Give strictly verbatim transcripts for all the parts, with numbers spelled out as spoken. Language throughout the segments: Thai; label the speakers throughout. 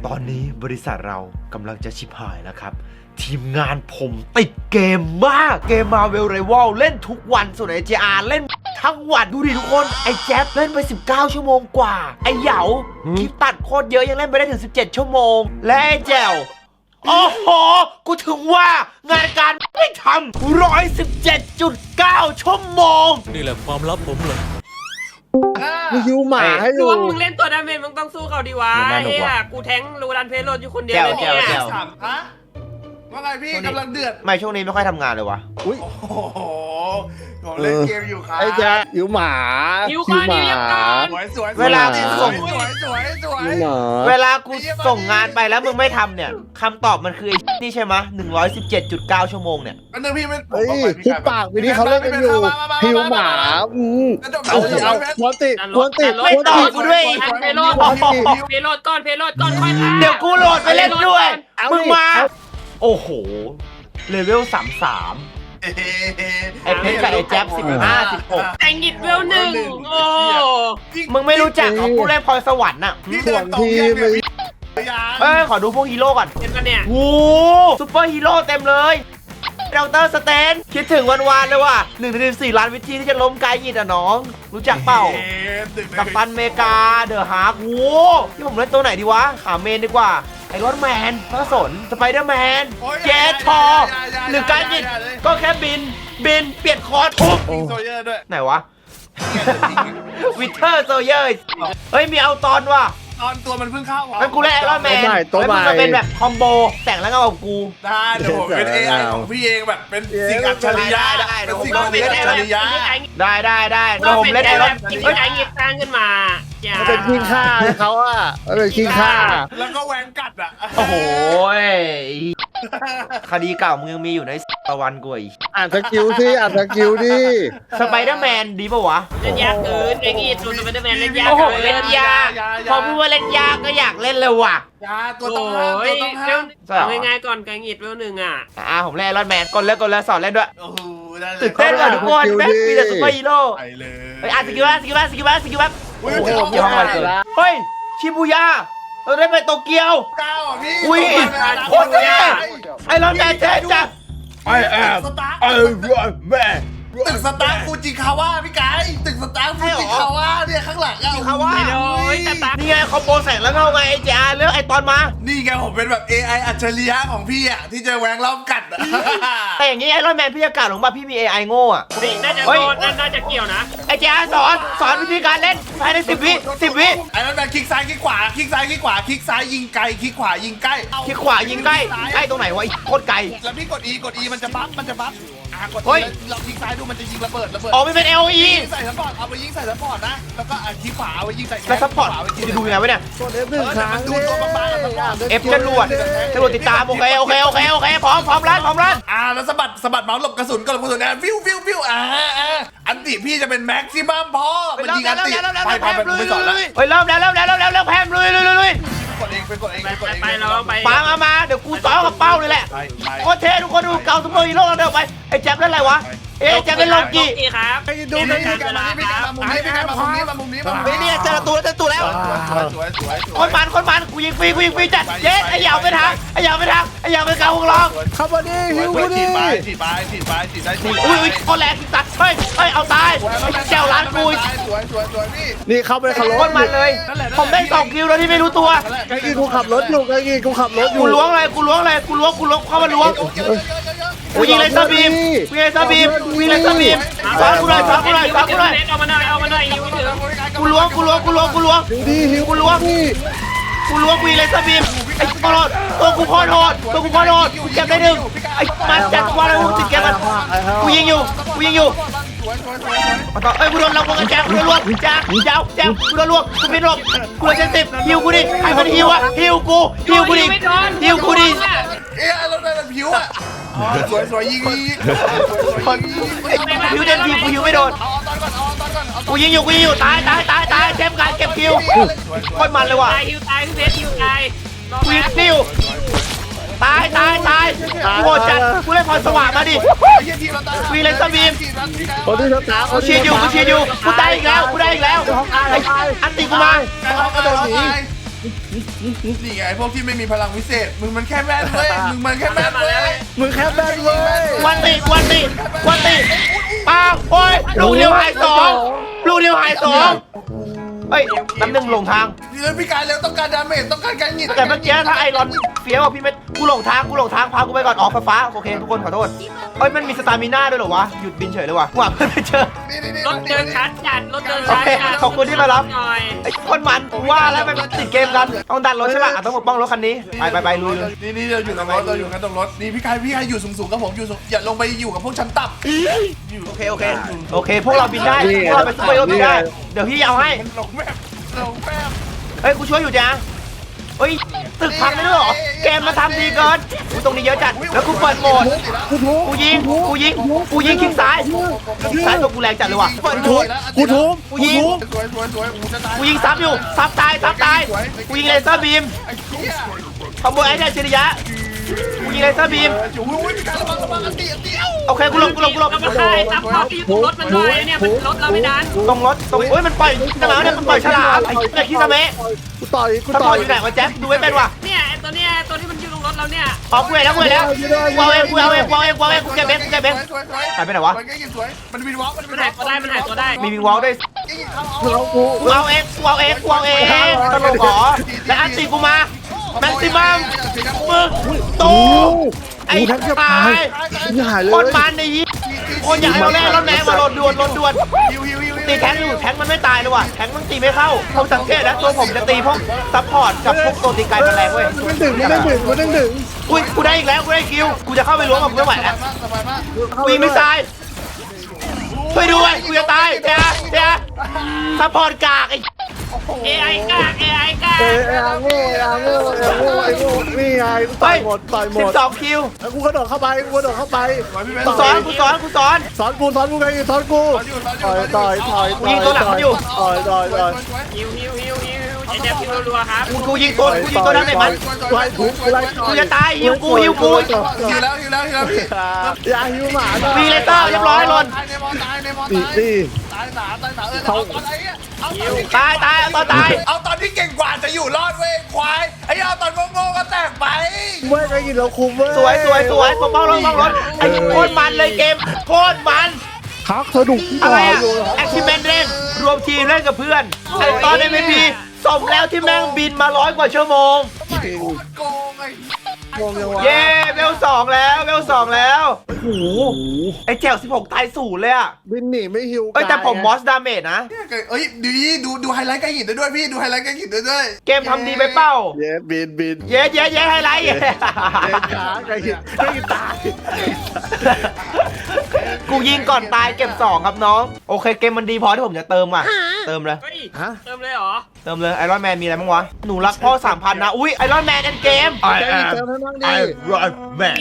Speaker 1: ตอนนี้บริษัทเรากำลังจะชิบหายแล้วครับทีมงานผมติดเกมมากเกมมาเวลไรวัลเล่นทุกวันส่วนไอเจอาร์เล่นทั้งวันดูดิทุกคนไอแจ๊บเล่นไปสิบเก้าชั่วโมงกว่าไอเหยาคลิปตัดโคตรเยอะยังเล่นไปได้ถึงสิบเจ็ดชั่วโมงและไอแจวโอ้โหกูถึงว่างานการไม่ทำหนึ่งร้อยสิบเจ็ดจุดเก้าชั่วโมง
Speaker 2: นี่แหละความลับผมเลย
Speaker 3: มึงยูหมาให้
Speaker 4: ด
Speaker 3: ดู
Speaker 4: วงมึงเล่นตัวดาเมจมึงต้องสู้เขาดีวะไอ้เหี้ยกูแทงรูรันเพลโรดอยู่คนเดียวเลยเนี่ย
Speaker 5: สามฮะว่าไงพี่กำลังเดือด
Speaker 1: ไม่ช่วงนี้ไม่ค่อยทำงานเลยวะ
Speaker 3: อุ้ย
Speaker 5: โอ้โหผมเล่นเกมอยู่ครับ
Speaker 3: ไอ้แจ๊ยูหมา
Speaker 4: หิวข้าวนิวยังก่อน
Speaker 5: สวยสวย
Speaker 1: เวลากูส่ง
Speaker 5: สวยสวยสวย
Speaker 3: ยูหมา
Speaker 1: เวลากูส่งงานไปแล้วมึงไม่ทำเนี่ยคำตอบมันคือไอ้นี่ใช่ไหมหนึ่งร้อยสิบเจ็ดจุดเก้าชั่วโมงเนี่ย
Speaker 5: อันนึงพี่ไม่
Speaker 3: เฮ้ยทุกปากวิธีเขาเล่นกันอยู่หิวหมาอืมเอาสิเอาควนติควนติ
Speaker 1: ไม่ตอบกูด้วย
Speaker 4: รันเพลโรดเพลโรดก่อนเพลโรดก่อนค่อยทำ
Speaker 1: เดี๋ยวกูโหลดไปเล่นด้วย มึงมา โอ้โห เลเวลสามสามไอเพชรกับไอแจ๊บสิบห้าสิบหก
Speaker 4: แต่งหิดเวลหนึ่งโอ้
Speaker 1: มึงไม่รู้จักเหรอผู้เล่นพรสวรรค์น่ะ
Speaker 5: พี่เดินตรงยังเลย
Speaker 1: เอ้ย ขอดูพวกฮีโร่ก่อน
Speaker 4: เห็นปะเนี่ย
Speaker 1: โอ้ซุปเปอร์ฮีโร่เต็มเลยเดลต้าสเตนคิดถึงวันวานเลยว่ะหนึ่งในสี่ล้านวิธีที่จะล้มกายยิดอ่ะน้อง รู้จักเปล่า กับตันเมกาเดอะฮาร์กโอ้ที่ผมเล่นตัวไหนดีวะ ขาเมนดีกว่า ไอรอนแมนพระสนสไปเดอร์แมนเจทอหรือการยิดก็แค่บิน บิน เปลี่ยนคอร์ทุบ
Speaker 5: โซเยอร์ด้วย
Speaker 1: ไหนวะ วิเทอร์โซเยอร์เฮ้ย มีเอาตอนว่ะ
Speaker 5: ตอนตัวมันเพิ่งเข้า
Speaker 1: งั้นกูเล่นไอรอนแมนเฮ้ยมึงมาเป็นแบบคอมโบแต่งแล้วก็เอากู
Speaker 5: ได้เดี๋ยวผมเป็น เอ ไอ ของพี่เองแบบเป็นสิ่งอัจฉริยะเป็นสิ่งอัจฉริยะ
Speaker 1: ได้ได้ได้เดี๋ยวผมเล่นไอรอน
Speaker 4: เฮ้ยไอ้หยิบสร้างขึ้นมาอย่า
Speaker 3: มันเป็นขี้ข้าเขาอ่ะมันเป็นขี้ข้า
Speaker 5: แล้วก็แหวงกัดอ่ะ
Speaker 1: โอ้โหคดีเก่ามึงยังมีอยู่ในตะวันกูอีก
Speaker 3: อ่านสกิลสิอ่านสกิลดิ
Speaker 1: สไปเดอร์แมนดีป่าวะ
Speaker 4: เล่นยากเกินไอ้หยิบตัวสไปเดอร์แมนเล่นยาก
Speaker 1: โอ้โห
Speaker 4: เกิน
Speaker 1: เล่นยากพอพูดว่าเล่นยากก็อยากเล่นเลยว่ะ
Speaker 5: ยาตัวต้องห้ามตัวต้องห้าม
Speaker 4: เอาง่ายๆก่อนไก่หยิบเวลหนึ่งอ่ะ
Speaker 1: อ่าผมเล่นไอรอนแมนกดเล่นกดเล่นสอนเล่นด้วย
Speaker 5: โอ้โหได้เลย
Speaker 1: ตื่นเต้นว่ะทุกคนแม่งมีแต่ซุปเปอร์ฮีโร่
Speaker 5: ไปเลย
Speaker 1: เฮ้ยอ่ะสกิลว่าสกิลว่าสกิลว่าสกิลว่า
Speaker 5: อุ้ย
Speaker 1: โอ้โห
Speaker 5: จะ
Speaker 1: เกี่ยวข้องอะไรเกินเฮ้ยชิบูย่าเราได้ไปโตเกียว
Speaker 5: เก้าอ่ะพี่
Speaker 1: อุ้ยโคตรเท่ไอรอนแมนเท่จัด
Speaker 5: ไอแอมไอรอนแมนตึกสตาร์ฟูจิคาวะพี่ไก่ตึกสตาร์ฟูจิคาวะเนี่ยข้างหลังอ่ะ
Speaker 1: คาวะ
Speaker 4: ไม่โดนแต่ตา
Speaker 1: นี่ไงคอมโบแสงแล้วเงาไงไอเจอาเลือกไอตอนมา
Speaker 5: นี่ไงผมเป็นแบบ เอ ไอ อัจฉริยะของพี่อ่ะที่จะแหวงล้อมกัดอ่ะ
Speaker 1: แต่อย่างนี้ไอรอนแมนพี่จะกล่าวลงมาพี่มี เอ ไอ โง่อะ
Speaker 4: น่าจะโดนน่าจะเกี่ยวนะ
Speaker 1: ไอเจอาสอนสอนวิธีการเล่นภายในสิบวิสิบวิ
Speaker 5: ไอ้นั่นแบบคลิกซ้ายคลิกขวาคลิกซ้ายคลิกขวาคลิกซ้ายยิงไกลคลิกขวายิงใกล้
Speaker 1: คลิกขวายิงใกล้ใกล้ตรงไหนวะไอโคตรไกล
Speaker 5: แล้วพี่กด E กด E มันจะบัฟมันจะบัฟอ่ะกด
Speaker 1: เฮ้ย
Speaker 5: เราคลิกซ้ายดูมันจะยิงระเบิดระเบิด
Speaker 1: อ๋อไม่เป็น เอ โอ อี
Speaker 5: ยิงใส่ซัพพอร์ตเอาไปยิงใส่ซัพพอร์ตนะแล้วก็อ่ะคลิกขวาเอาไปยิงใส่
Speaker 1: แล้วซัพพอร์ต
Speaker 5: ขวาไปยิง
Speaker 1: จะดูยังไงวะเนี่ย
Speaker 3: กดเอฟหนึ่งครั้ง
Speaker 5: ดูตัวบางๆกับซัพพอร์ต
Speaker 1: เอฟจรวดจรวดติดตามโอเคโอเคโอเคโอเคพร้อมพร้อมรันพร้อมรัน
Speaker 5: อ่าแล้วสะบัดสะบัดเมาส์หลบกระสุนก็หลบกระสุนนะฟิวฟิวฟิวอ่าอ่าอันติพี่จะเป็นแม็กซิมัมพอมันยิงอันติไปไปไปไม่สอนแล้ว
Speaker 1: เฮ้ยเริ่มแล้วเริ่มแล้วเริ่มแล้วเริ่มแพมลุยลุยลุยลุย
Speaker 5: กดเองไปกดเอง
Speaker 4: ไป
Speaker 5: ไปกดเอง
Speaker 4: ไปเราไป
Speaker 1: ปามามาเดี๋ยวกูต่อกับเป้าเลยแหละ
Speaker 5: ไปไป
Speaker 1: โคตรเท่ทุกคนดูเก่าซุปเปอร์ฮีโร่เราเดินไปไอ้แจ๊บเล่นอะไรวะเอ๊ะแจ๊บเล่นโลกิ
Speaker 4: ครับ
Speaker 3: ไปดู
Speaker 5: นี่
Speaker 3: กั
Speaker 5: นี่
Speaker 3: น
Speaker 5: กันมานี่กันมามุมนี้กันมามุมนี้มามุมนี้มามุม
Speaker 1: ไอ้
Speaker 5: นี้
Speaker 1: เนี่ยเจอตัวเจอตัวแล้ว
Speaker 5: สวยสวยสวย
Speaker 1: คนมันคนมันกูยิงฟรีกูยิงฟรีจัดเจ๊ไอ้เหยาไปทางไอ้เหยาไปทางไอ้เหยาไปเกาหงลอง
Speaker 3: เข้ามาดิหิว
Speaker 5: ฉี
Speaker 3: ดิ
Speaker 5: ดไปฉีดไปฉีดไปฉีดได้ฉีด
Speaker 1: อุ้ยอุ้ยโคตรแรงสัตว์เฮ้ยเฮ้ยเอาตายไอ้แจวร้านกู
Speaker 5: สวยสวยสวยพี่
Speaker 3: นี่เข้าไปขับร
Speaker 1: โค
Speaker 3: ถ
Speaker 1: ตรมันเลย ผมได้สองคิวโดยที่ไม่รู้ตัว
Speaker 3: ไอ้กี้กูขับรถอยู่ไอ้กี้กูขับรถอยู่
Speaker 1: กูล้วงเลยกูล้วงเลยกูล้วงกูล้วงเข้ามาล้วงกูยิงเลยซาบีมกูยิงเลยซาบีมกูยิงเลยซาบีมสอนกูเลยสอนกูเลยสอนกูเลย
Speaker 4: เอามาหน่อยเอามาหน่อยหิวถึง
Speaker 1: กูล้วงกูล้วงกูล้วงกูล้วง
Speaker 3: หิวดิหิว
Speaker 1: กูล้วง
Speaker 3: ดิ
Speaker 1: กูล้วงกูยิงเลยซาบีมไอ้โคตรโหดตัวกูโคตรโหดตัวกูโคตรโหดกูเก็บได้หนึ่งไอ้มันจัดกูอะไรกูติดเก็บมันกูยิงอยู่กูยิงอยู่
Speaker 5: สวยสวยสวย
Speaker 1: มาต่อเอ้ยกูโดนเราวงกันแจ๊กูโดนลวงแจ๊แจ๊แจ๊กูโดนลวงกูไม่ลวงกูโดนเจ็ดสิบฮิวกูดิใครมันฮิวอะฮิวกูฮิวกูดิฮิวกูดิ
Speaker 5: เอ๊ะเราได้ผิวอ่ะสวยสวยยิงยิงสวยยิง
Speaker 1: ฮิวเต็มทีกูฮิวไม่โดน
Speaker 5: เอาตอนก่อนเอาตอนก่อนเอา
Speaker 1: กูยิงอยู่กูยิงอยู่ตายตายตายตายเต็มการเก็บคิวโคตรมันเลยว่ะ
Speaker 4: ตายหิวตายพี่เพชรหิวตาย
Speaker 1: กูยิงคิวตายตายตายกูโหดจัดกูเล่นพรสว่างมาดิ วีเลนส์บีม
Speaker 3: คนที่สตาร์
Speaker 1: กูเชียร์อยู่กูเชียร์อยู่กูได้อีกแล้วกูได้อีกแล้วไอ้อันติกูมา
Speaker 5: เขากระโดดหนี
Speaker 1: ก
Speaker 5: นี่ไงพวกที่ไม่มีพลังวิเศษมึงมันแค่แม่นเว้ยมึงมันแค่แม่นเว้ย
Speaker 3: มึงแค่แบนเว้ย
Speaker 1: วันติวันติวันติอ้าวโอ้ยลูกเดียวหายสองลูกเดียวหายสองเฮ้ยน้ำหนึ่งหลงทาง
Speaker 5: เฮ้ยพี่กายเร็วต้องการดาเมจต้องการการหงิด
Speaker 1: แต่เมื่อกี้ถ้าไอรอนเฟี้ยวอ่ะพี่เม็ดกูหลงทางกูหลงทางพากูไปก่อนออกไฟฟ้าโอเคทุกคนขอโทษเอ้ยมันมีสตามิน่าด้วยเหรอวะหยุดบินเฉยเลยว่ะกูหาเพื่อนไม่เจอ
Speaker 5: นี่นี่นี่
Speaker 4: รถเดินชัดจัดรถเดิน
Speaker 1: โอ
Speaker 4: ชัด
Speaker 1: เค
Speaker 4: จัด
Speaker 1: ขอบคุณที่มารับ
Speaker 4: หน่อย
Speaker 1: ไอ้คนมันกูว่าแล้วมันติดเกมกันต้องดันรถใช่ป่ะอ่ะต้องปกป้องรถคันนี้ไปไปไปลุยเลย
Speaker 5: นี่นี่เราอยู่กับรถเราอยู่กันตรงรถนี่พี่กายพี่กายอยู่สูงๆกับผมอยู่สูงอย่าลงไปอยู่กับพวกชั้นต่ำอยู่
Speaker 1: โอเคโอเคโอเคพวกเราบินได้พวกเราไปซุปเปอร์โยบินได้เดี๋ยวพี่เอาให้
Speaker 5: มันหลงแม่หลงแม่
Speaker 1: เฮ้ยกูช่วยอยู่จ้าเฮ้ยตึกพังได้ด้วยเหรอเกมมาทำดีเกินกูตรงนี้เยอะจัดแล้วกูเปิดโหมด
Speaker 3: กูทุบ
Speaker 1: กูยิงกูยิงกูยิงคลิกซ้ายคลิกซ้ายตัวกูแรงจัดเลยว่ะเปิดโหมด
Speaker 3: กูทุบ
Speaker 1: กูยิง
Speaker 5: สวยสวยสวยกูจะตาย
Speaker 1: กูยิงซ้ำอยู่ซ้ำตายซ้ำตายกูยิงเลเซอร์บีม
Speaker 5: ไอ้เหี้ย
Speaker 1: ขโมยไอ้เนี่ยชิริยะกูยิงเลเซอร์บีม
Speaker 5: อยู่อุ้ยพี่กายระวังระวังอันตีอันตีเอ้า
Speaker 1: โอเคกูหลบกูหลบกูหลบ
Speaker 4: เราไปไอ้ซับพอร์ตที่อยู่ตรงรถมันหน่อยเนี่ยมันรถเราไม่ดัน
Speaker 1: ตรงรถตรงเฮ้ยมันปล่อยฉลามเนี่ยมันปล่อยฉลามไอ้เนี่ยคิซาเมะ
Speaker 3: กูต่อยกู
Speaker 1: ถ้าป
Speaker 3: ต่
Speaker 1: ล่
Speaker 3: อ
Speaker 1: อย
Speaker 3: ย
Speaker 1: อยู่ไหนวะแจ๊คดูไม่เป็นว่ะ
Speaker 4: เนี่ยไอ้ตัวเนี้ยตัวที่มันอยู่ตรงรถเราเนี่ย
Speaker 1: อ๋อกูเห็นแล้วกูเห็นแล้วกูเอาเองกูเอาเองกูเอาเองกูเอาเองกูเก็บเองกูเก็บเอง
Speaker 5: สวยสวย
Speaker 1: หายไปไหนวะ
Speaker 5: สวยสวยมันวินวอล์กมันวิ
Speaker 4: มัน
Speaker 5: นว
Speaker 4: หา
Speaker 5: อย ล์ก
Speaker 4: ตัวได้มันหายตัวได้
Speaker 1: มีวิงวอลด้วย
Speaker 3: กูเอากู
Speaker 1: กูเอาเองกูเอาเองกูเอาเองตลกเหรอและอันตีกูมาแม็กซิมัมมึงตูไอ้
Speaker 3: กูแทบจะ
Speaker 1: ตา
Speaker 3: ตาย
Speaker 1: ย
Speaker 3: กูหายเลย
Speaker 1: คนมันในยี่คนอยากให้เราแน่รถแม่มาโหลดด่วนโหลดด่วน
Speaker 5: ฮิวฮิวฮิว
Speaker 1: ตีแทงอยู่แทงมันไม่ตายเลยว่ะแทงมันตีไม่เข้าผมสังเกตแล้วตัวผมจะตีพวกซัพพอร์ตกับพวกตัวตีไกลมันแรงเว้ย
Speaker 3: มันดึงมันดึงมันดึงดึง
Speaker 1: อุ้ยกูได้อีกแล้วกูได้คิวกูจะเข้าไปล้วงกับกูไม่ไหวแล้ว
Speaker 5: สบายมาก
Speaker 1: กูยิงไม่ตายช่วยด้วยกูจะตายเจ้าเจ้าซัพพอร์ตกากไอ้
Speaker 4: เอไอกากเอไอกาก
Speaker 3: เอไอ้โง่ไอ้โง่ไอ้โง่ไอ้โง่นี่ไงกูต่อยหมดต่อยหม
Speaker 1: สิ
Speaker 3: ด
Speaker 1: บสองคิว
Speaker 3: แล้วกูกระโดดเข้าไปกูกระโดดเข้าไป
Speaker 1: กูสอนกูสอนกูสอน
Speaker 3: สอนกูสอนกูไงสอนกูต่อยต่อยต่อยต่อยต่อยต่อยต่อย
Speaker 4: ฮิวฮิวฮิวฮิวไอ้แจ๊บฮิวรัวๆครับ
Speaker 1: กูกูยิงตัวกูยิงตัวนั้นไหนมัน
Speaker 3: ไล่ถูกไล่
Speaker 1: กูจะตายหิวกูหิวกู
Speaker 5: ฮิวแล้วฮิวแล้วฮิวแล้วพี่
Speaker 3: อย่าหิวหมา
Speaker 1: มีเลเซอร์เรียบร้อยหล่น
Speaker 5: ตายในมอตายในมอ
Speaker 3: ตี
Speaker 5: ตาย
Speaker 3: ตี
Speaker 5: ตายหนาตายหนาเออเอาตอนไหนเอาตอน
Speaker 1: ตายตายเอาตอนตาย
Speaker 5: เอาตอนที่เก่งกว่าจะอยู่รอดเว้ยควายไอ้เอาตอนโง่ๆก็แตกไป
Speaker 3: เว้ยไอ้กินเราคุมเว้ย
Speaker 1: สวยสวยสวยปกป้องรถปกป้องรถไอ้โคตรมันเลยเกมโคตรมัน
Speaker 3: ฮักสนุก
Speaker 1: อะไรอะแอคทิเมนเล่นรวมทีมเล่นกับเพื่อนไอ้ตอน เอ็ม วี พี สมแล้วที่แม่งบินมาร้อยกว่าชั่วโมง
Speaker 5: โคตรโกงไอ้
Speaker 3: งงยังวะ
Speaker 1: เย้เวลสองแล้วเวลสองแล้วโอ้โหไอ้แจ๋วสิบหกตายศูนย์เลยอะ
Speaker 3: บินหนีไม่หิว
Speaker 1: เอ้ยแต่ผมมอสดาเมจนะ
Speaker 5: เอ้ยดูดิดูดูไฮไลท์ใกล้หินได้ด้วยพี่ดูไฮไลท์ใกล้หินได้ด้วย
Speaker 1: เกมทำดีไปเป้า
Speaker 3: เย้บินบิน
Speaker 1: เย้เย้เย้ไฮไลท์
Speaker 3: เย้ขาไก่หินไก่หินตาย
Speaker 1: กูยิงก่อนตายเก็บสองครับน้อง โอเคเกมมันดีพอที่ผมจะเติมอ่ะ เติมเลย
Speaker 4: เฮ้ย
Speaker 3: ฮะ
Speaker 4: เติมเลยเหรอ
Speaker 1: เติมเลยไอรอนแมนมีอะไรบ้างวะ หนูรักพ่อสามพันนะ อุ้ยไอรอนแมนเอ็นเกม
Speaker 3: ไก่หินเติมให้มั่งดิ
Speaker 1: รอนแมน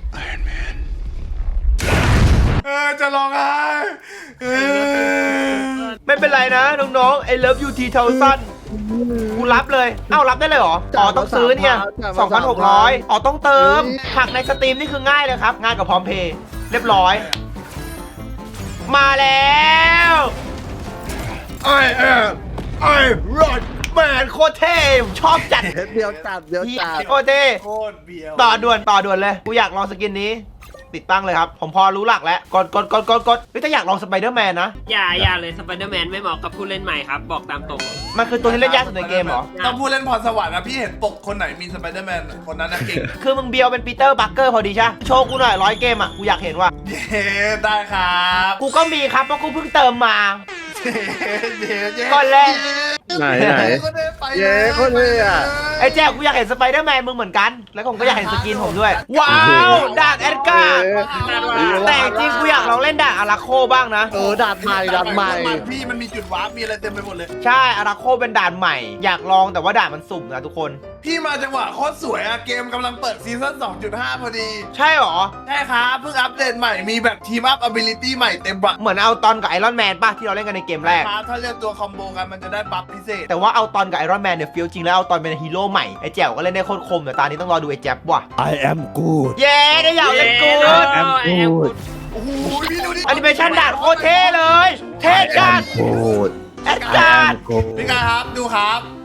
Speaker 5: เออจะร้องไห้เออ
Speaker 1: ไม่เป็นไรนะน้องๆไอเลิฟยูทีเทลซันกูรับเลย เอ้ารับได้เลยเหรอ อ๋อต้องซื้อเนี่ยสองพันหกร้อยอ๋อต้องเติม หักในสตรีมนี่คือง่ายเลยครับ ง่ายกับพร้อมเพย์เรียบร้อย มาแล้วไอเออไอรอนแมนโคตรเท่ผมชอบจัด
Speaker 3: เดี๋ยวจัดเดี๋ยวจัด
Speaker 1: โคตรเท่
Speaker 5: โคตรเบียว
Speaker 1: ต่อด่วนต่อด่วนเลย กูอยากลองสกินนี้ ติดตั้งเลยครับ ผมพอรู้หลักแล้ว กดกดกดกดกดเฮ้ยถ้าอยากลองสไปเดอร์แมนนะ
Speaker 4: อย่าอย่าเลยสไปเดอร์แมนไม่เหมาะกับผู้เล่นใหม่ครับ บอกตามตรง
Speaker 1: มันคือตัวที่เล่นยากสุดในเกมเหรอ
Speaker 5: ต้องพูดเล่นพรสวรรค์นะพี่เห็นปกคนไหนมีสไปเดอร์แมนคนนั้นนะเก่ง
Speaker 1: คือมึงเบียวเป็นปีเตอร์บัคเกอร์พอดีใช่ปะโชว์กูหน่อยร้อยเกมอ่ะ กูอยากเห็นว่า
Speaker 5: เย้ได้ครับ
Speaker 1: กูก็มีครับเพราะกูเพิ่งเติมมา
Speaker 5: เย้เย้
Speaker 1: ก่อนเลย
Speaker 3: ไหนไหน เย้โคตรเท่อะ
Speaker 1: ไอ้แจ๊คกูอยากเห็นสไปเดอร์แมนมึงเหมือนกัน แล้วผมก็อยากเห็นสกินผมด้วย ว้าวดาร์กแอดการ์ดแต่จริงกูอยากลองเล่นดาร์กอาราโคบ้างนะ
Speaker 3: เออดาดใหม่ดาดใหม่
Speaker 5: พี่มันมีจุดวาร์ปมีอะไรเต็มไปหมดเลย
Speaker 1: ใช่อาราโคเป็นด่านใหม่ อยากลองแต่ว่าด่านมันสุ่มนะทุกคน
Speaker 5: พี่มาจังหวะโคตรสวยอะเกมกำลังเปิดซีซั่น สองจุดห้า พอดี
Speaker 1: ใช่หรอ
Speaker 5: ใช่ครับเพิ่งอัปเดตใหม่มีแบบทีมอัพ ability ใหม่เต็มบัก
Speaker 1: เหมือนเอาตอนกับไอรอนแมนป่ะที่เราเล่นกันในเกมแรก
Speaker 5: ครับถ้าเลือกตัวคอมโบกันมันจะได้บัฟพิเศษ
Speaker 1: แต่ว่าเอาตอนกับไอรอนแมนเนี่ยฟิลจริงแล้วเอาตอนเป็นฮีโร่ใหม่ไอแจ๋วก็เล่นได้โคตรคมแต่ตอนนี้ต้องรอดูไอแจ๊บว่ะ
Speaker 3: I am good
Speaker 1: เย้ได้อยากเล่นกูด
Speaker 4: แอมกูด
Speaker 5: โอ้โหพี่ดูดิ
Speaker 1: แอนิเมชันด่านโคตรเท่เลย เท่จัด
Speaker 3: good
Speaker 1: แอดการ์ด
Speaker 3: good
Speaker 5: พี่กายครับดูครับ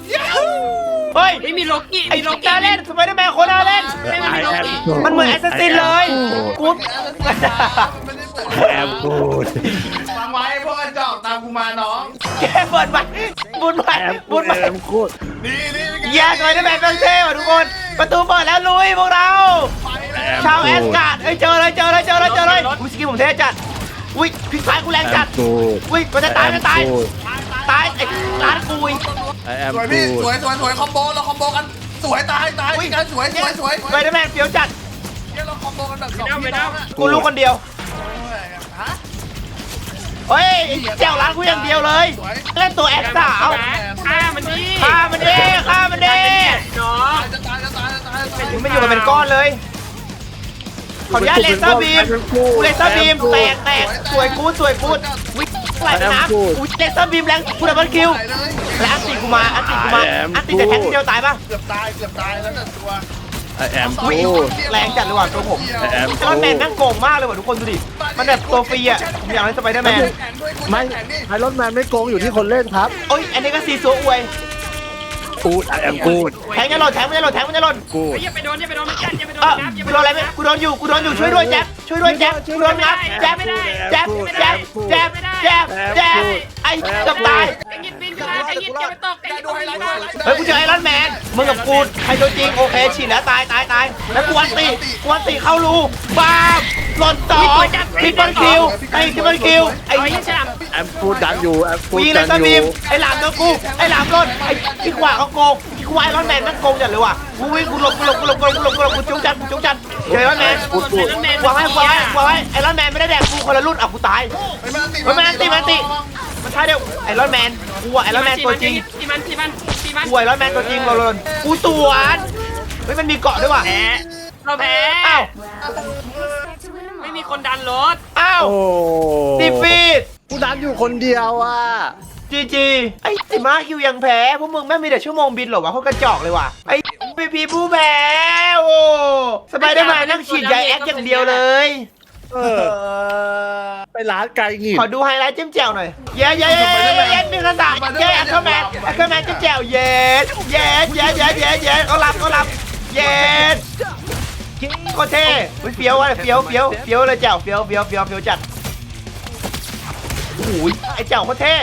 Speaker 1: เฮ้ย
Speaker 4: ไม่มีโลกี้
Speaker 1: ไอ้
Speaker 4: มีโล
Speaker 1: ลูก
Speaker 4: กี้
Speaker 1: ตาเล่นสไปเดอร์แมนคนน่าเล่น
Speaker 4: ไม่มีโลกี้
Speaker 1: มันเหมือนแอสซัสซินเลยกู
Speaker 3: แอมกูด
Speaker 5: ฟังไว้พวกกระจอกตามกูมาน้อง
Speaker 1: แกเปิดไปบุญไป
Speaker 3: แอมกู
Speaker 1: บุ
Speaker 3: ด
Speaker 1: ญไป
Speaker 3: แอมกูด
Speaker 5: นี่นี่
Speaker 1: แย่สไปเดอร์แมนเป็นเท่ว่ะทุกคน ประตูเปิดแล้วลุยพวกเรา ชาวแอสการ์ดเอ้ยเจอเลยเจอเลยเจอเลยเจอเลยอุ้ยสกิลผมเท่จัดอุ้ยพลิกซ้ายกูแรงจัด
Speaker 3: กูด
Speaker 1: อุ้ยมันจะตายมันจะตายตายไอ้ร้านกุย
Speaker 3: แอม
Speaker 5: สวย
Speaker 3: กู
Speaker 5: พี่
Speaker 3: ด
Speaker 5: สวยสวยสวยคอมโบเราคอมโบกันสวยตายตายกันสวยสวยสวย
Speaker 1: สไปเดอร์แมนเฟี้ยวจัด
Speaker 5: เนี่ยเราคอมโบกันแบบสองพี่น้องอะ
Speaker 1: กูรู้คนเดียว
Speaker 5: ฮะ
Speaker 1: เฮ้ยแจวร้านกูอย่างเดียวเลยเล่นตัวแอคสาว
Speaker 4: ฆ่ามันดิ
Speaker 1: ฆ่ามันดิฆ่ามันดิ
Speaker 4: น้อง
Speaker 5: จะตายจะตายจะตายจะตาย
Speaker 1: มึงไม่อยู่กันเป็นก้อนเลยขออนุญาตเลเซอร์บีมกูเลเซอร์บีมแตกแตกสวยกูดสวยกูดวิ่งไหลไปน้ำกูเลเซอร์บีมแรงกูดับเบิลคิว
Speaker 5: ตายเลย
Speaker 1: แล้วอันติกูมาอันติกูมาอันติจะแทงทีเดียวตายป่ะ
Speaker 5: เกือบตายเกือบตายแล้วแต่ตัว
Speaker 3: แอม
Speaker 1: อุ๊ย
Speaker 3: กูด
Speaker 1: แรงจัดเลยว่ะตัวผม
Speaker 3: แอม
Speaker 1: ไอรอนแมนแม่งโกงมากเลยว่ะทุกคนดูดิมันแบบตัวฟรีอ่ะผมอยากเล่นสไปเดอร์แมน
Speaker 3: ไม่ไอรอนแมนไม่โกงอยู่ที่คนเล่นครับ
Speaker 1: โอ้ยอันนี้ก็ซีซัวอวย
Speaker 3: กูดแอมกูด
Speaker 1: แทงจะหล่นแทงมันจะหล่นแทงมันจะหล่น
Speaker 3: กูด
Speaker 4: อย่าไปโดนอย่าไปโดนมันกัดอย่าไปโดน
Speaker 1: เออ
Speaker 4: นับอย่า
Speaker 1: กู
Speaker 4: ไป
Speaker 1: โด
Speaker 4: โด
Speaker 1: น
Speaker 4: น
Speaker 1: อะไรไหมกูโดนอยู่กูโดนอยู่ช่วยด้วยแจ๊บช่วยด้วยแจ๊บกูโดนงับแจ๊บแจ๊บแจ๊บแจ๊บแจ๊บแจ๊บไอ้เกับตาย
Speaker 4: ไอ้ยิดบินมาไอ้ยิดอย่าไปตกไอ้ยิด
Speaker 5: ดูไฮไลท์ดูไฮไลท์
Speaker 1: เฮ้ยกูเจอไอรอนแมนมึงกับกูใครตัวจริงโอเคฉีดแล้วตายตายตายแล้วกูอันตีกูอันตีเข้ารูบามหล่นต่อทริปเปิลคิวไอ้ทริปเปิลคิวไอ้
Speaker 4: ไอ้ยิดฉลาม
Speaker 3: แอมกูดดันอยู่แอมกู
Speaker 1: กู
Speaker 3: ด
Speaker 1: ยิงเล
Speaker 3: ดั
Speaker 1: ย
Speaker 3: น
Speaker 1: ส
Speaker 3: อ
Speaker 1: บี
Speaker 3: ยู่
Speaker 1: มไอ้หลามโดนกูไอ้หลามหล่นไอ้ที่ขวาเขาโกงที่ขวาไอรอนแมนมันโกงจัดเลยว่ะกูวิ่งกูหลบกูหลบกูหลบกูหลบกูหลบกูหลบกูจุ๊กจัดกูจุ๊กจัดเจอไอรอนแมน
Speaker 4: กูกูแมน
Speaker 1: วางไว้วางไว้วางไว้ไอรอนแมนไม่ได้แดกกูคนละรุ่นอ่ะกูตาย
Speaker 5: เฮ้ยมันติ
Speaker 1: เฮ้ยมันอันติมันอันติมันใช่เดียวไอรอนแมนกูอะไอรอนแมนตัวจริง
Speaker 4: ทีมันทีมันทีมัน
Speaker 1: กูไอรอนแมนตัวจริงเราเลยกูสวนเฮ้ยมันมีเกาะด้วยว่ะ
Speaker 4: แพ้เราแพ้
Speaker 1: อ้าว
Speaker 4: ไม่มีคนดันรถ
Speaker 1: อ้าว
Speaker 3: โอ้
Speaker 1: ดีฟีด
Speaker 3: กูดันอยู่คนเดียวอ่ะ
Speaker 1: จีจีไอ้สิมาคิวยังแพ้พวกมึงแม่งมีแต่ชั่วโมงบินเหรอวะเขากระจอกเลยว่ะไอ้พีพีผู้แพ้โอ้สบายได้ไหมนั่งฉีดยาแอคอย่างเดียวเลย
Speaker 3: เออไปร้านไกลหงิ
Speaker 1: ขอดูไฮไลท์จิ้มแจ่วหน่อย เย้เย้เย้เย้เย้มีกระสับเย้แอคเคอร์แมนแอคเคอร์แมนจิ้มแจ่วเย้เย้เย้เย้เย้เย้เขารับเขารับเย้โคตรเท่อุ๊ยเฟี้ยวว่ะเฟี้ยวเฟี้ยวเฟี้ยวเลยแจ่วเฟี้ยวเฟี้ยวเฟี้ยวเฟี้ยวจัดโอ้ยไอ้แจ่วโคตรเท่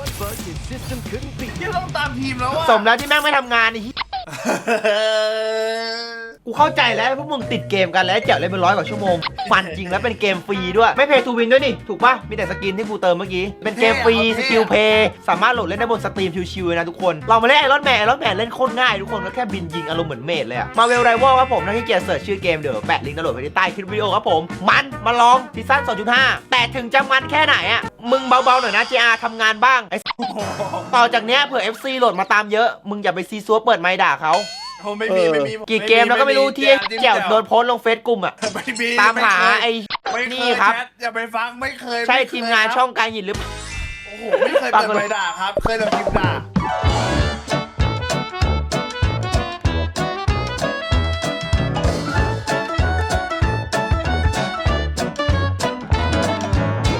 Speaker 5: ที่ต้องตามทีมแล้วอะ
Speaker 1: สมแล้วที่แม่งไม่ทำงานไอ้เหี้ยกูเข้าใจแล้วพวกมึงติดเกมกันแล้วแจ๋วเล่นเป็นร้อยกว่าชั่วโมงฟันจริงแล้วเป็นเกมฟรีด้วยไม่เพย์ทูวินด้วยนี่ถูกปะมีแต่สกินที่กูเติมเมื่อกี้เป็นเกมฟรีสกิลเพย์สามารถโหลดเล่นได้บนสตรีมชิวๆเลยนะทุกคนลองมาเล่นไอรอนแมนไอรอนแมนเล่นโคตรง่ายทุกคนก็แค่บินยิงอารมณ์เหมือนเมดเลยอะมาเวลไรวอลครับผมถ้าที่เกียร์เสิร์ชชื่อเกมเดี๋ยวแปะลิงก์ดาวน์โหลดไว้ที่ใต้คลิปวิดีโอครับผมมันมาลองซีซั่น สองจุดห้า แต่ถึงจะมันแค่ไหนอะมึงเบาๆหน่อยนะ จี อาร์ ทำงานบ้างไอ้ต่อจากเนี้ยเผื่อ เอฟ ซี โหลดมาตามเยอะมึงอย่าไปซีซัวเปิดไมค์ด่าเขา
Speaker 5: ผมไม่มีไม่มี
Speaker 1: กี่เกมแล้วก็ไม่รู้ที่แจ๋วโดนโพสต์ลงเฟซกลุ่มอ่ะ
Speaker 5: ไม่มี
Speaker 1: ตามหาไอ้
Speaker 5: ไม่เคย
Speaker 1: นี่ครับ
Speaker 5: แชทอย่าไปฟังไม่เคย
Speaker 1: ใช่
Speaker 5: ไเคย
Speaker 1: ทีมงานช่องการหยินหรือ
Speaker 5: โอ้โหไม่เคยเปิดใบด่าครับ เคยแต่พิมพ์ด่า